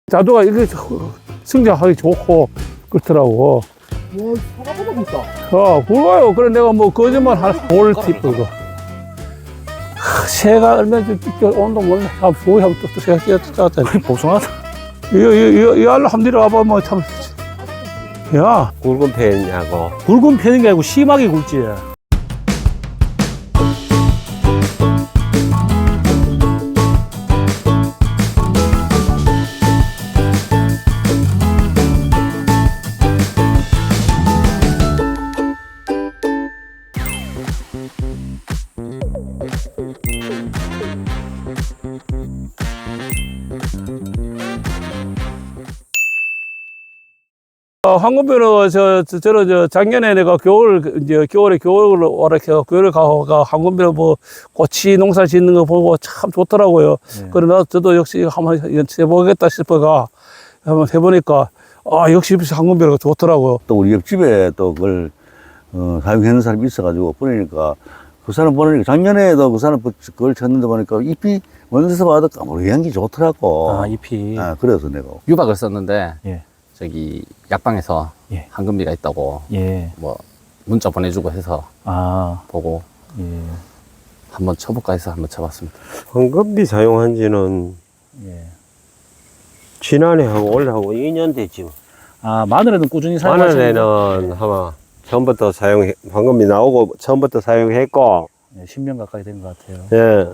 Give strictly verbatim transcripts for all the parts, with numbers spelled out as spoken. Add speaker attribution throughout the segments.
Speaker 1: 자두가 이게 성장하기 좋고 그렇더라고.
Speaker 2: 와, 사과보다 있다.
Speaker 1: 어, 굵어요. 그래 내가 뭐 거짓말 할 볼 팁 이거. 하, 새가 얼마나 온도 몰라. 한 보이 하면 또 새가 뛰어왔다.
Speaker 3: 복숭아다.
Speaker 1: 이거 이거 이 알로 한번 내려와봐 뭐 참. 야,
Speaker 4: 굵은 편이냐고.
Speaker 3: 굵은 편인 게 아니고 심하게 굵지.
Speaker 1: 어, 황금비는 저, 저, 저는 저 작년에 내가 겨울, 이제 겨울에 겨울을 오락해서 겨울에 가가 황금비는 뭐 꽃이 농사 짓는 거 보고 참 좋더라고요.
Speaker 3: 네.
Speaker 1: 그래 나 저도 역시 한번 해보겠다 싶어가 한번 해보니까 아 역시 황금비가 좋더라고요.
Speaker 5: 또 우리 옆집에 또 그걸 어, 사용하는 사람이 있어가지고 보내니까 그 사람 보내니까 작년에도 그 사람 그걸 쳤는데 보니까 잎이 원에서 봐도 까무리한 게 좋더라고.
Speaker 3: 아, 잎이.
Speaker 5: 아, 그래서 내가
Speaker 4: 유박을 썼는데
Speaker 3: 예.
Speaker 4: 저기 약방에서
Speaker 3: 예.
Speaker 4: 황금비가 있다고
Speaker 3: 예.
Speaker 4: 뭐 문자 보내주고 해서
Speaker 3: 아,
Speaker 4: 보고
Speaker 3: 예.
Speaker 4: 한번 쳐볼까 해서 한번 쳐봤습니다.
Speaker 6: 황금비 사용한 지는
Speaker 3: 예.
Speaker 6: 지난해 하고 올해 하고 이 년 됐지.
Speaker 3: 아, 마늘에는 꾸준히 사용하시는
Speaker 6: 마늘에는 아마 처음부터 사용, 황금비 나오고 처음부터 사용했고,
Speaker 3: 네, 십 년 가까이 된 것 같아요.
Speaker 6: 예.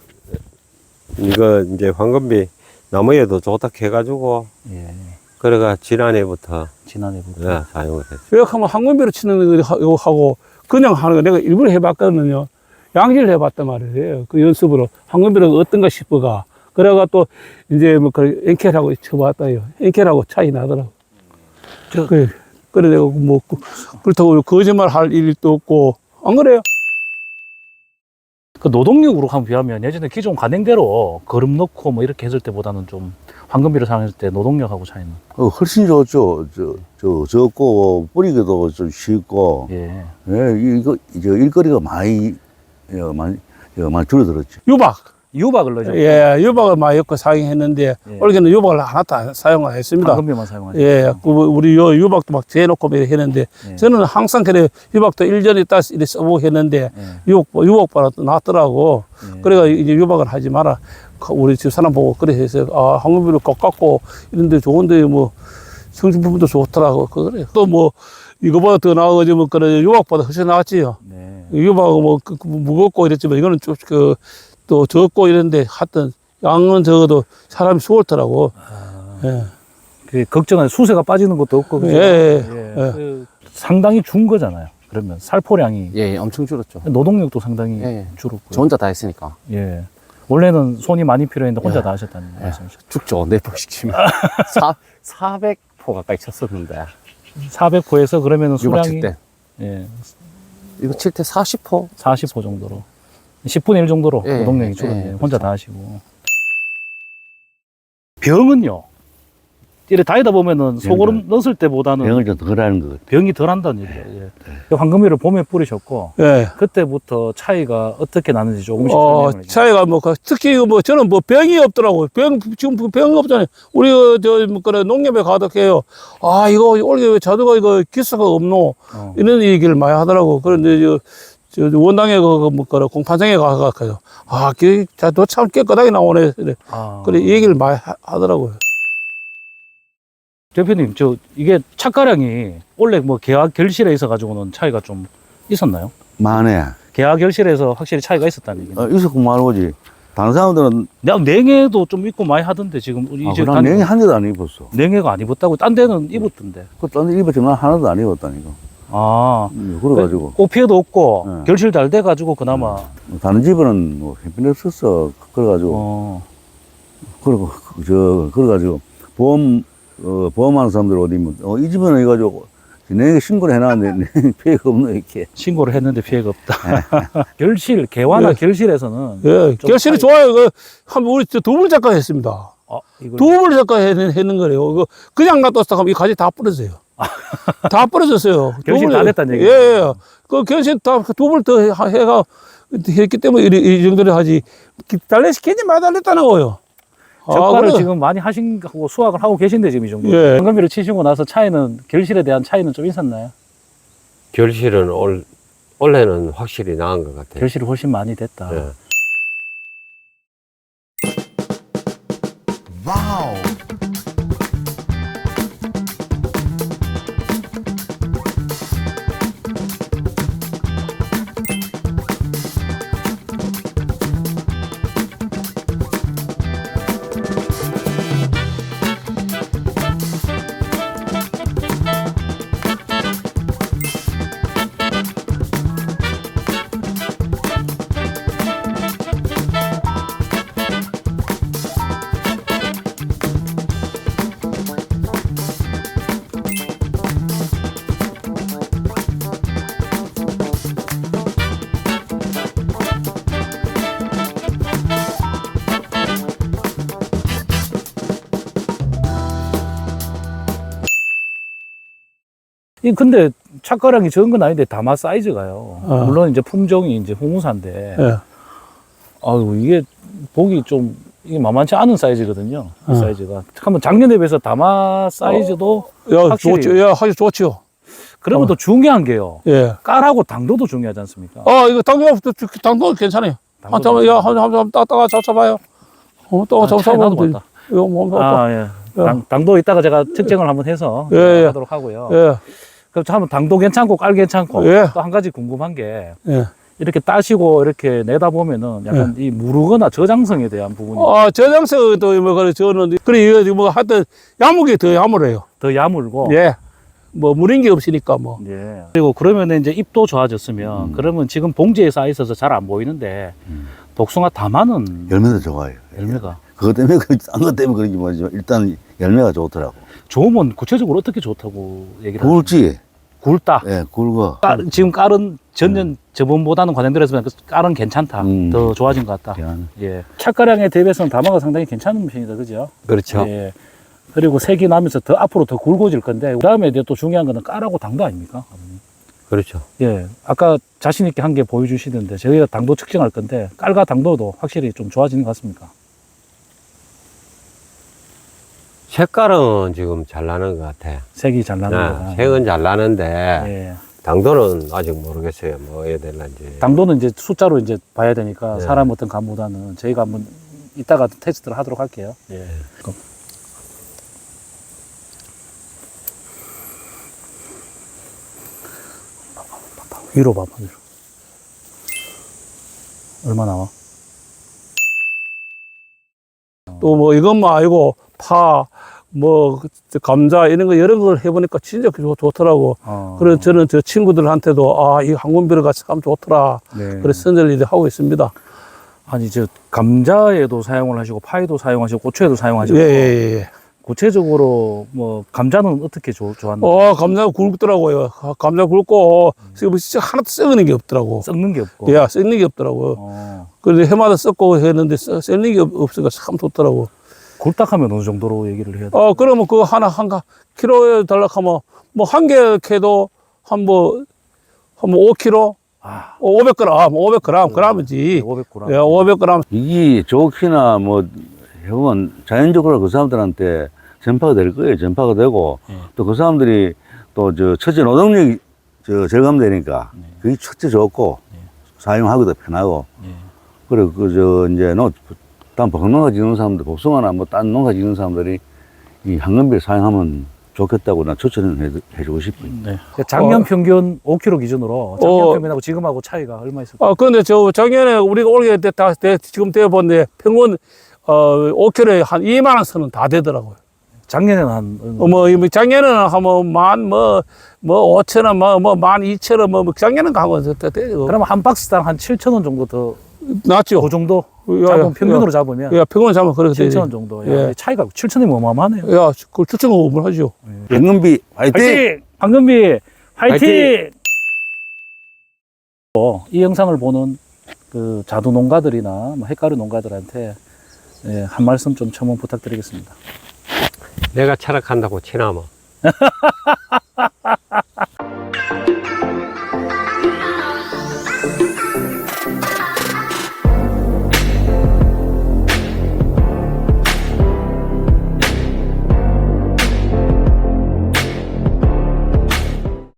Speaker 6: 이거 이제 황금비 나무에도 좋다 해가지고,
Speaker 3: 예.
Speaker 6: 그래가 지난해부터
Speaker 3: 지난해부터.
Speaker 6: 예, 사용을 했어요.
Speaker 1: 이렇게 하면 황금비로 치는 거 하고 그냥 하는 거 내가 일부러 해봤거든요. 양질 해봤단 말이에요. 그 연습으로 황금비가 어떤가 싶어가. 그래가 또 이제 뭐그 엔켈하고 쳐봤다요. 엔켈하고 차이 나더라고. 그래, 그래 내가 뭐 그렇다고 거짓말 할 일도 없고 안 그래요?
Speaker 3: 그 노동력으로 한번 비하면 예전에 기존 관행대로 거름 넣고 뭐 이렇게 했을 때보다는 좀 황금비를 사용했을 때 노동력하고 차이는.
Speaker 5: 어, 훨씬 좋죠. 저, 저, 적고 뿌리기도 좀 쉽고
Speaker 3: 예.
Speaker 5: 예, 이거 이제 일거리가 많이 예, 많이 예, 많이 줄어들었죠.
Speaker 1: 유박.
Speaker 3: 유박을 넣죠.
Speaker 1: 예, 유박을 많이 엮고 사용했는데
Speaker 3: 예.
Speaker 1: 올해는 유박을 하나도 안 사용 안 했습니다.
Speaker 3: 황금비만 사용하죠.
Speaker 1: 예, 그 우리 요 유박도 막 재놓고 막 했는데
Speaker 3: 예.
Speaker 1: 저는 항상 그래 유박도 일 년에 따서 이렇게 써보고 했는데
Speaker 3: 예.
Speaker 1: 유박 유박보다 또 낫더라고.
Speaker 3: 예.
Speaker 1: 그래가 이제 유박을 하지 마라. 우리 집 사람 보고 그래 해서 아 황금비를 꼭 갖고 이런데 좋은데 뭐 성분도 좋더라고. 그래. 또 뭐 이거보다 더 나아가지고 뭐 그래 유박보다 훨씬 나았지요.
Speaker 3: 네.
Speaker 1: 유박은 뭐 그, 그 무겁고 이랬지만 이거는 좀 그 또 적고 이런데 하여튼 양은 적어도 사람이 수월더라고.
Speaker 3: 아,
Speaker 1: 예.
Speaker 3: 그 걱정은 수세가 빠지는 것도 없고. 그죠?
Speaker 1: 예, 예,
Speaker 3: 예.
Speaker 1: 예.
Speaker 3: 그 상당히 준 거잖아요. 그러면 살포량이.
Speaker 4: 예, 예, 엄청 줄었죠.
Speaker 3: 노동력도 상당히
Speaker 4: 예, 예.
Speaker 3: 줄었고요.
Speaker 4: 저 혼자 다 했으니까
Speaker 3: 예. 원래는 손이 많이 필요했는데 혼자
Speaker 4: 예.
Speaker 3: 다 하셨다는
Speaker 4: 예.
Speaker 3: 말씀이셨죠.
Speaker 4: 죽죠. 네포씩 치면 사백 포 가까이 쳤었는데
Speaker 3: 사백 호에서 그러면은
Speaker 4: 유박
Speaker 3: 수량이
Speaker 4: 칠 때
Speaker 3: 예,
Speaker 4: 이거 칠 때 사십 포
Speaker 3: 사십 호 정도로 십분의 일 정도로
Speaker 4: 예,
Speaker 3: 노동력이
Speaker 4: 예,
Speaker 3: 줄었네요.
Speaker 4: 예,
Speaker 3: 혼자
Speaker 4: 그렇죠.
Speaker 3: 다 하시고. 병은요. 이래 다니다 보면은 소고름 넣었을 때보다는
Speaker 5: 병을 좀 덜 하는 것 같아요.
Speaker 3: 병이 덜 한다는 얘기예요. 예. 황금비를 봄에 뿌리셨고
Speaker 1: 예.
Speaker 3: 그때부터 차이가 어떻게 나는지 조금씩
Speaker 1: 어,
Speaker 3: 설명을 해주세요.
Speaker 1: 차이가 뭐, 그 특히 뭐, 저는 뭐 병이 없더라고요. 병, 지금 병 없잖아요. 우리, 저, 뭐, 그래, 농협에 가득해요. 아, 이거, 올해 왜 자두가 이거 기스가 없노?
Speaker 3: 어.
Speaker 1: 이런 얘기를 많이 하더라고. 그런데, 저, 저, 원당에 그, 뭐, 그래, 공판장에 가가지고, 아, 그, 자두 참 깨끗하게 나오네. 그래,
Speaker 3: 아.
Speaker 1: 그래, 얘기를 많이 하, 하더라고요.
Speaker 3: 대표님, 저 이게 착가량이 원래 뭐 계약 결실에 있어 가지고는 차이가 좀 있었나요?
Speaker 5: 만에
Speaker 3: 계약 결실에서 확실히 차이가 있었다는 얘기는.
Speaker 5: 어, 있었고 말고지. 다른 사람들은
Speaker 3: 내가 냉해도 좀 입고 많이 하던데 지금 우리
Speaker 5: 아,
Speaker 3: 이제
Speaker 5: 그난 냉이 한 개도 안 입었어.
Speaker 3: 냉해가 안 입었다고 딴 데는 입었던데.
Speaker 5: 그딴데 입었지만 난 하나도 안 입었다니까.
Speaker 3: 아,
Speaker 5: 음, 그래가지고
Speaker 3: 꽃 피해도 없고
Speaker 5: 네.
Speaker 3: 결실 잘 돼 가지고 그나마
Speaker 5: 뭐 다른 집은 뭐 햇빛 없었어. 그래가지고
Speaker 3: 어.
Speaker 5: 그리고 저 그래가지고 보험 어 보험하는 사람들 어디 뭐 어, 이 집은 해가지고 내게 신고를 해놨는데 피해가 없노 이렇게.
Speaker 3: 신고를 했는데 피해가 없다. 결실 개화나
Speaker 1: 예.
Speaker 3: 결실에서는
Speaker 1: 예,
Speaker 3: 좀
Speaker 1: 결실이
Speaker 3: 차이-
Speaker 1: 좋아요. 그, 한, 우리 두불 작가 했습니다.
Speaker 3: 어, 이걸
Speaker 1: 두불 작가 했는, 했는 거래요. 그, 그냥 놔뒀다 하면 이 가지 다 부러져요. 다 부러졌어요.
Speaker 3: 결실
Speaker 1: 두불-
Speaker 3: 다 됐다는
Speaker 1: 예,
Speaker 3: 얘기죠.
Speaker 1: 예. 그 결실 다 두 불 더 해가 했기 때문에 이, 이 정도로 하지. 달래시 괜히 많이 달랬다는 거예요.
Speaker 3: 적과를
Speaker 1: 그래.
Speaker 3: 지금 많이 하신 거 수확을 하고 계신데 지금 이 정도.
Speaker 1: 예.
Speaker 3: 황금비를 치시고 나서 차이는 결실에 대한 차이는 좀 있었나요?
Speaker 6: 결실은 올, 올해는 확실히 나은 것 같아요.
Speaker 3: 결실이 훨씬 많이 됐다.
Speaker 6: 예.
Speaker 3: 이 근데 착가량이 적은 건 아닌데 다마 사이즈가요.
Speaker 1: 어.
Speaker 3: 물론 이제 품종이 이제 홍우사인데,
Speaker 1: 예.
Speaker 3: 아유 이게 보기 좀 이게 만만치 않은 사이즈거든요. 이
Speaker 1: 어.
Speaker 3: 사이즈가. 한번 작년에 비해서 다마 사이즈도
Speaker 1: 야,
Speaker 3: 확실히-
Speaker 1: 좋죠. 야, 아주 좋죠.
Speaker 3: 그러면
Speaker 1: 어.
Speaker 3: 또 중요한 게요.
Speaker 1: 예.
Speaker 3: 깔하고 당도도 중요하지 않습니까?
Speaker 1: 아, 이거 당도, 당도 괜찮아요. 한
Speaker 3: 당도도
Speaker 1: 잠깐, 야,
Speaker 3: 괜찮아요.
Speaker 1: 한 잠깐, 따다가 잡아봐요. 어, 또
Speaker 3: 아, 차이
Speaker 1: 잡아보면
Speaker 3: 나도
Speaker 1: 되지.
Speaker 3: 맞다.
Speaker 1: 이거 뭐, 뭐,
Speaker 3: 아, 예. 당, 당도 이따가 제가 측정을 한번 해서
Speaker 1: 예, 예.
Speaker 3: 하도록 하고요.
Speaker 1: 예,
Speaker 3: 그럼 한번 당도 괜찮고 깔 괜찮고
Speaker 1: 예.
Speaker 3: 또 한 가지 궁금한 게
Speaker 1: 예.
Speaker 3: 이렇게 따시고 이렇게 내다 보면은 약간 이 무르거나 저장성에 대한 부분이
Speaker 1: 아, 저장성도 뭐, 그래, 저는, 그래, 이거 뭐, 하여튼, 야무게 더 야무래요.
Speaker 3: 더 야물고
Speaker 1: 예. 뭐, 무린 게 없으니까 뭐.
Speaker 3: 예. 그리고 그러면 이제 잎도 좋아졌으면
Speaker 5: 음.
Speaker 3: 그러면 지금 봉지에 쌓여 있어서 잘 안 보이는데
Speaker 5: 음.
Speaker 3: 복숭아 다마는
Speaker 5: 열매도 좋아요.
Speaker 3: 열매가
Speaker 5: 그것 때문에, 그, 딴것 때문에 그런지 모르지만, 일단 열매가 좋더라고.
Speaker 3: 좋으면 구체적으로 어떻게 좋다고 얘기를 하세요?
Speaker 5: 굵지?
Speaker 3: 굵다.
Speaker 5: 예, 굵어.
Speaker 3: 깔- 지금 깔은 전년 저번보다는 관행들에서 깔은 괜찮다.
Speaker 5: 음.
Speaker 3: 더 좋아진 것 같다.
Speaker 5: 미안.
Speaker 3: 예. 착가량에 대비해서는 다마가 상당히 괜찮은 편이다. 그죠?
Speaker 6: 그렇죠.
Speaker 3: 예. 그리고 색이 나면서 더 앞으로 더 굵어질 건데 그 다음에 이제 또 중요한 거는 깔하고 당도 아닙니까?
Speaker 6: 그렇죠.
Speaker 3: 예. 아까 자신 있게 한 개 보여주시던데 저희가 당도 측정할 건데 깔과 당도도 확실히 좀 좋아지는 것 같습니까?
Speaker 6: 색깔은 지금 잘 나는 것 같아요.
Speaker 3: 색이 잘 나는 거다.
Speaker 6: 네, 색은 잘 나는데,
Speaker 3: 예.
Speaker 6: 당도는 아직 모르겠어요. 뭐 해야 될런지.
Speaker 3: 당도는 이제 숫자로 이제 봐야 되니까
Speaker 6: 네.
Speaker 3: 사람 어떤 감보다는 저희가 한번 이따가 테스트를 하도록 할게요. 예. 그럼. 위로 봐봐, 위로. 얼마 나와?
Speaker 1: 또 뭐, 이것만 아니고, 파, 뭐, 그 감자, 이런 거 여러 걸 해보니까 진짜 좋, 좋더라고.
Speaker 3: 어.
Speaker 1: 그래서 저는 저 친구들한테도, 아, 이 항문비료가 참 좋더라.
Speaker 3: 네.
Speaker 1: 그래서 선전을 하고 있습니다.
Speaker 3: 아니, 저, 감자에도 사용을 하시고, 파에도 사용하시고, 고추에도 사용하시고.
Speaker 1: 예, 예, 예.
Speaker 3: 구체적으로, 뭐, 감자는 어떻게 좋, 좋았나요?
Speaker 1: 어, 감자가 굵더라고요. 아, 감자 굵고, 지금 진짜 하나도 썩는 게 없더라고.
Speaker 3: 썩는 게 없고.
Speaker 1: 예, 썩는 게 없더라고요.
Speaker 3: 어.
Speaker 1: 그래서 해마다 썩고 했는데, 썩- 썩는 게 없- 없으니까 참 좋더라고.
Speaker 3: 굴딱하면 어느 정도로 얘기를 해야 돼?
Speaker 1: 어, 그러면 그거 하나, 한, 가- 키로에 달락하면, 뭐, 한 개 캐도, 한 뭐, 한 뭐, 오 킬로그램?
Speaker 3: 아,
Speaker 1: 오백 그램, 오백 그램, 그램이지.
Speaker 3: 오백 그램.
Speaker 1: 예, 오백 그램.
Speaker 5: 이게 좋기나 뭐 해보면 자연적으로 그 사람들한테 전파가 될 거예요. 전파가 되고
Speaker 3: 예.
Speaker 5: 또 그 사람들이 또 저 첫째 노동력이 저 절감되니까
Speaker 3: 네.
Speaker 5: 그게 첫째 좋고 사용하기도 편하고
Speaker 3: 예.
Speaker 5: 그리고 그 저 이제 노 다음 복농가 짓는 사람들 복숭아나 뭐 딴 농가 짓는 사람들이 이 황금비를 사용하면 좋겠다고 나 추천을 해, 해주고 싶어요.
Speaker 3: 네. 작년
Speaker 1: 어.
Speaker 3: 평균 오 킬로그램 기준으로 작년
Speaker 1: 어.
Speaker 3: 평균하고 지금하고 차이가 얼마 있을까요?
Speaker 1: 아, 그런데 저 작년에 우리가 올게 때, 다, 때, 지금 떼어봤는데 평균, 어, 오 킬로그램에 한 이만 원 선은 다 되더라고요.
Speaker 3: 작년에는 한
Speaker 1: 어, 뭐, 이 뭐 작년에는 하면 만, 뭐, 뭐, 오천 원, 뭐, 뭐, 만 이천 원, 뭐, 뭐 작년은 가고, 되고.
Speaker 3: 그러면 한 박스당 한 칠천 원 정도 더,
Speaker 1: 낫죠.
Speaker 3: 그 정도
Speaker 1: 야,
Speaker 3: 잡으면
Speaker 1: 야,
Speaker 3: 평균으로 잡으면
Speaker 1: 야, 평균 잡으면 그렇게 되지.
Speaker 3: 칠천 원 정도. 야,
Speaker 1: 예.
Speaker 3: 차이가 칠천 원이면 어마어마하네요.
Speaker 1: 야, 그걸 추천 공부를 하죠.
Speaker 5: 황금비 화이팅!
Speaker 3: 화이팅! 황금비 화이팅!
Speaker 6: 화이팅!
Speaker 3: 어, 이 영상을 보는 그 자두 농가들이나 뭐 햇가루 농가들한테 예, 한 말씀 좀 첨언 부탁드리겠습니다.
Speaker 6: 내가 철학한다고 치나마.